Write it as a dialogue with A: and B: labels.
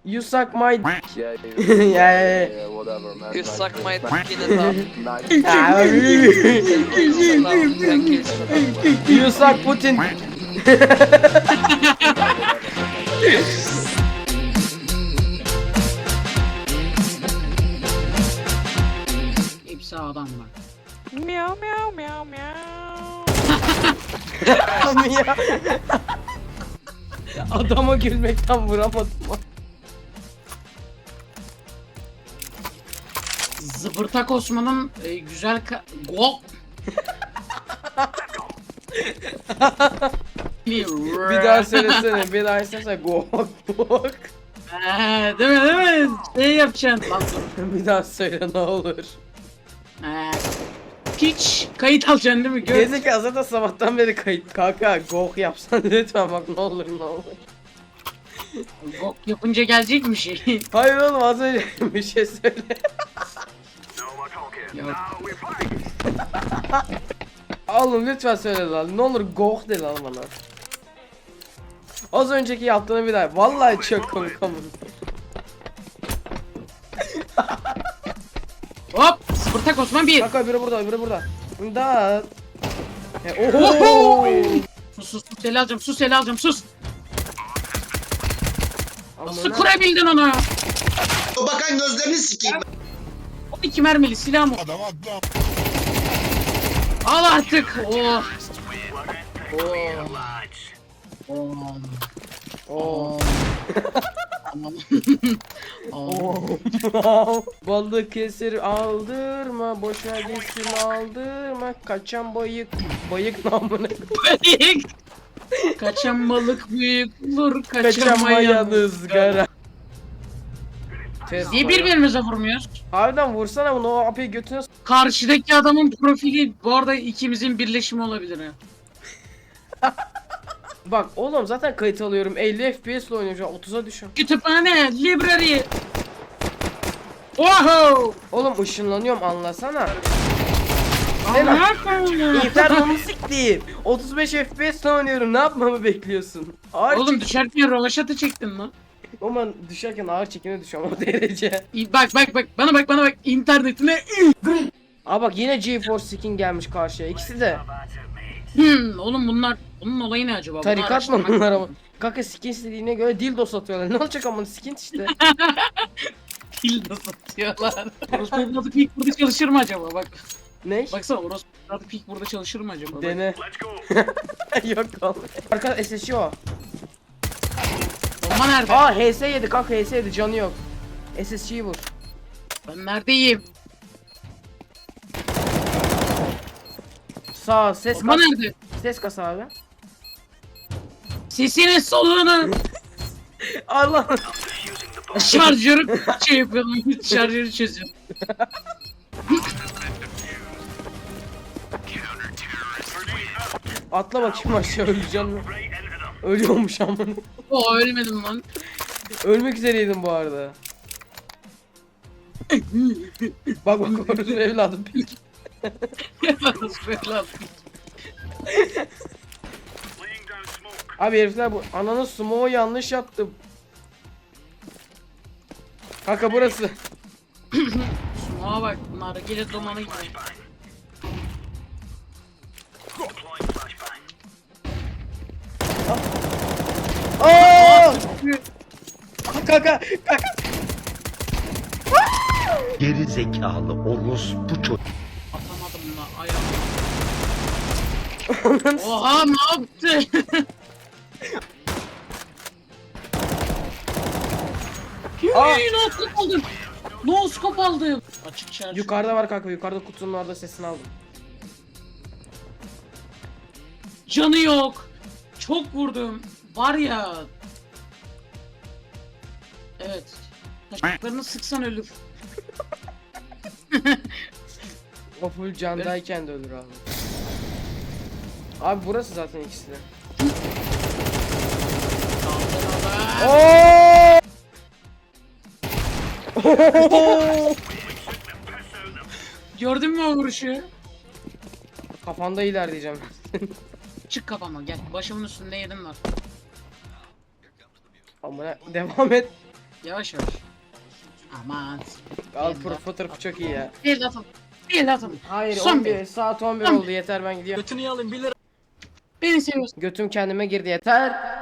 A: You suck my dick.
B: Yeah,
A: Yeah.
B: whatever, man.
C: You
B: Like,
C: suck my
B: like,
C: dick in the top. Sen kesin.
A: You suck Putin.
D: Hepsi adam bak.
C: Miau miau miau miau.
A: Ya. Adama gülmekten vuramadım.
D: Zıbırtak Osman'ın güzel gol.
A: Bir daha söylesene. Bir daha söylesene. Gok gok.
D: Değil mi? Şey yapacaksın. Lan dur.
A: Bir daha söyle ne olur.
D: Hiç kayıt alacaksın değil mi? Gör.
A: Gezekalı zaten sabahtan beri kayıt. Kanka gok yapsan lütfen bak ne olur ne olur.
D: Gok yapınca gelecek mi şey?
A: Hayır oğlum az önce bir şey söyle.
D: Yok.
A: Oğlum lütfen söyle lan. Ne olur gok de lan bana. Az önceki yaptığını bir daha. Vallahi çok komik ama.
D: Hop! Zıbırtak Osman bir.
A: Kanka öbürü burada öbürü burada. Da. Oho.
D: Sus el alacağım el alacağım sus. Nasıl
A: Amına.
D: kurabildin onu?
E: O bakan gözlerini sikeyim.
D: 12 mermili silah mı? Al artık. Oh. Oh.
A: Oo.
D: Tamam.
A: Balık esir aldırma, boşa gitsin aldırma, kaçan bayık namına
D: Büyük. Kaçan balık büyük olur,
A: kaçamayan
D: kaçamayan
A: ızgara.
D: Niye birbirimize vurmuyoruz?
A: Harbiden vursana bunu o apayı götüne
D: Karşıdaki adamın profili bu arada ikimizin birleşimi olabilir ya.
A: Bak oğlum zaten kayıt alıyorum 50 FPS ile oynuyorum şu an 30'a düşün.
D: Kütüphane, library. Oho!
A: Oğlum ışınlanıyorum anlasana.
D: Allah'ım.
A: İnternetim'i siktir. 35 FPS ile oynuyorum ne yapmamı bekliyorsun? Ağır
D: Oğlum düşerken rovaşatı çektin lan.
A: Ama düşerken ağır çekime düşüyorum o derece.
D: Bak bana bak internetine.
A: Aa bak yine GeForce skin gelmiş karşıya ikisi de.
D: Oğlum bunun olayı ne acaba? Bunu
A: Tarikat mı
D: araştırmak
A: bunlar ama?
D: lazım.
A: Kanka skin istediğine göre dildo satıyorlar. Ne olacak ama skin işte.
D: Dildo satıyorlar. Orospu evladı peak burada çalışır mı acaba? Bak.
A: Ne?
D: Baksana orospu evladı peak burada çalışır mı acaba? Bak.
A: Dene. Yok oğlum. Arka SSC o.
D: Bomba nerede?
A: Aa HS yedi kanka HS yedi canı yok. SSC'yi vur.
D: Ben neredeyim?
A: Sağ ses
D: Bomba
A: kas.
D: nerede?
A: Ses kas abi.
D: Sesinin soluğunu.
A: Allah.
D: Şarjörü şey yapıyordum. Şarjörü çözüyorum.
A: Atla bakayım aşağı öleceğim mi? Ölüyormuş amına.
D: O ölmedim lan.
A: Ölmek üzereydim bu arada. Bak orası evladım.
D: Orospu evladı.
A: Abi herifler bu ananın smoke'u yanlış yaptı. Kanka burası.
D: Şuna bak. Nargile dumanı gibi.
A: Aa! Kanka kanka.
E: Geri zekalı orospu çocuk.
D: Atamadım la ayağım. Oha ne yaptı?
A: Aa!
D: No scope aldım. No scope aldım. Açık şarj.
A: Yukarıda var kanka yukarıda kutunun orada sesini aldım.
D: Canı yok. Çok vurdum. Var ya. Evet. Taşaklarını sıksan ölür.
A: O full candayken de ölür abi. Abi burası zaten ikisi de. Oo!
D: Gördün mü o vuruşu?
A: Kafanda ilerleyeceğim.
D: Çık kafama gel. Başımın üstünde yedim var.
A: Amına devam et.
D: Yavaş yavaş. Aman.
A: Al fotoğrafı çok iyi ya.
D: Bir de atalım. Bir de atalım.
A: Hayır
D: Son
A: 11 saat 11
D: Son
A: oldu yeter ben gidiyorum.
D: Beni seviyorsun.
A: Götüm kendime girdi yeter.